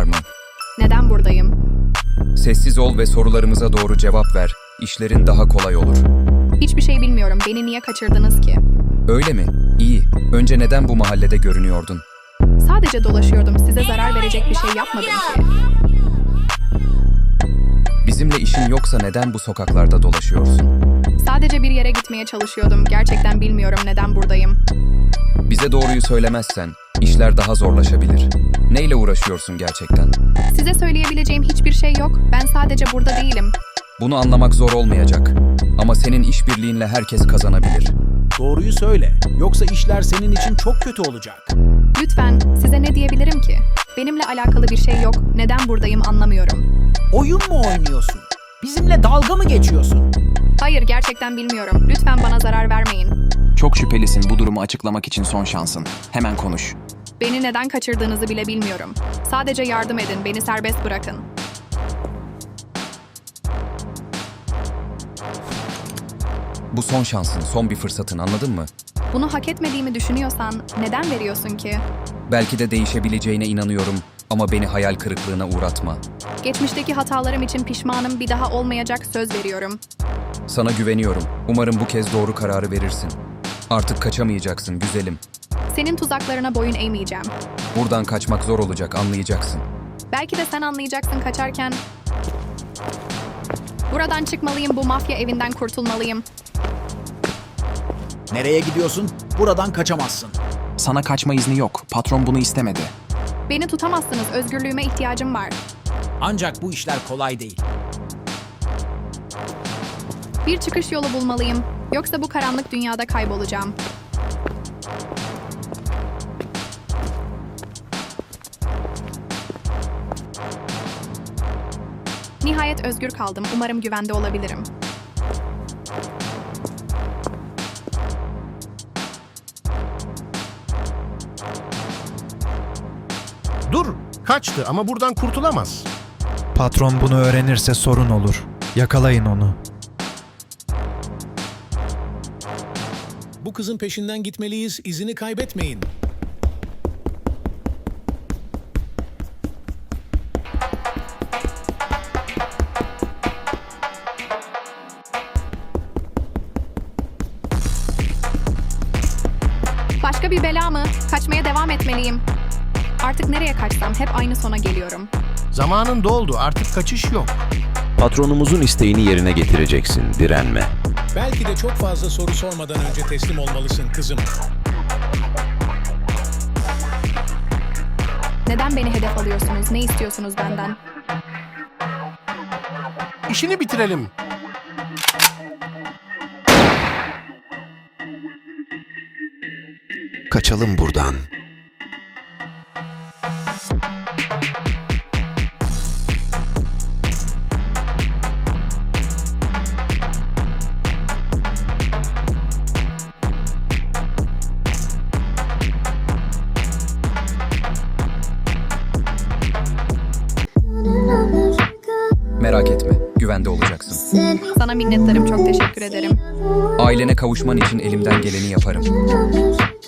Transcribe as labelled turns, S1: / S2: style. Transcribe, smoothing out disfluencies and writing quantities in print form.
S1: mı?
S2: Neden buradayım?
S1: Sessiz ol ve sorularımıza doğru cevap ver. İşlerin daha kolay olur.
S2: Hiçbir şey bilmiyorum. Beni niye kaçırdınız ki?
S1: Öyle mi? İyi. Önce neden bu mahallede görünüyordun?
S2: Sadece dolaşıyordum. Size zarar verecek bir şey yapmadım ki.
S1: Bizimle işin yoksa neden bu sokaklarda dolaşıyorsun?
S2: Sadece bir yere gitmeye çalışıyordum. Gerçekten bilmiyorum neden buradayım.
S1: Bize doğruyu söylemezsen işler daha zorlaşabilir. Neyle uğraşıyorsun gerçekten?
S2: Size söyleyebileceğim hiçbir şey yok. Ben sadece burada değilim.
S1: Bunu anlamak zor olmayacak. Ama senin işbirliğinle herkes kazanabilir.
S3: Doğruyu söyle. Yoksa işler senin için çok kötü olacak.
S2: Lütfen, size ne diyebilirim ki? Benimle alakalı bir şey yok. Neden buradayım anlamıyorum.
S3: Oyun mu oynuyorsun? Bizimle dalga mı geçiyorsun?
S2: Hayır, gerçekten bilmiyorum. Lütfen bana zarar vermeyin.
S4: Çok şüphelisin, bu durumu açıklamak için son şansın. Hemen konuş.
S2: Beni neden kaçırdığınızı bile bilmiyorum. Sadece yardım edin, beni serbest bırakın.
S1: Bu son şansın, son bir fırsatın, anladın mı?
S2: Bunu hak etmediğimi düşünüyorsan neden veriyorsun ki?
S1: Belki de değişebileceğine inanıyorum ama beni hayal kırıklığına uğratma.
S2: Geçmişteki hatalarım için pişmanım, bir daha olmayacak, söz veriyorum.
S1: Sana güveniyorum. Umarım bu kez doğru kararı verirsin. Artık kaçamayacaksın güzelim.
S2: Senin tuzaklarına boyun eğmeyeceğim.
S1: Buradan kaçmak zor olacak, anlayacaksın.
S2: Belki de sen anlayacaksın kaçarken. Buradan çıkmalıyım, bu mafya evinden kurtulmalıyım.
S3: Nereye gidiyorsun? Buradan kaçamazsın.
S4: Sana kaçma izni yok. Patron bunu istemedi.
S2: Beni tutamazsınız, özgürlüğüme ihtiyacım var.
S3: Ancak bu işler kolay değil.
S2: Bir çıkış yolu bulmalıyım. Yoksa bu karanlık dünyada kaybolacağım. Nihayet özgür kaldım. Umarım güvende olabilirim.
S5: Dur, kaçtı ama buradan kurtulamaz.
S6: Patron bunu öğrenirse sorun olur. Yakalayın onu.
S7: Bu kızın peşinden gitmeliyiz, izini kaybetmeyin.
S2: Başka bir bela mı? Kaçmaya devam etmeliyim. Artık nereye kaçsam hep aynı sona geliyorum.
S5: Zamanın doldu, artık kaçış yok.
S8: Patronumuzun isteğini yerine getireceksin, direnme.
S7: Belki de çok fazla soru sormadan önce teslim olmalısın kızım.
S2: Neden beni hedef alıyorsunuz? Ne istiyorsunuz benden?
S5: İşini bitirelim.
S8: Kaçalım buradan.
S1: Merak etme, güvende olacaksın.
S2: Sana minnettarım, çok teşekkür ederim.
S1: Ailene kavuşman için elimden geleni yaparım.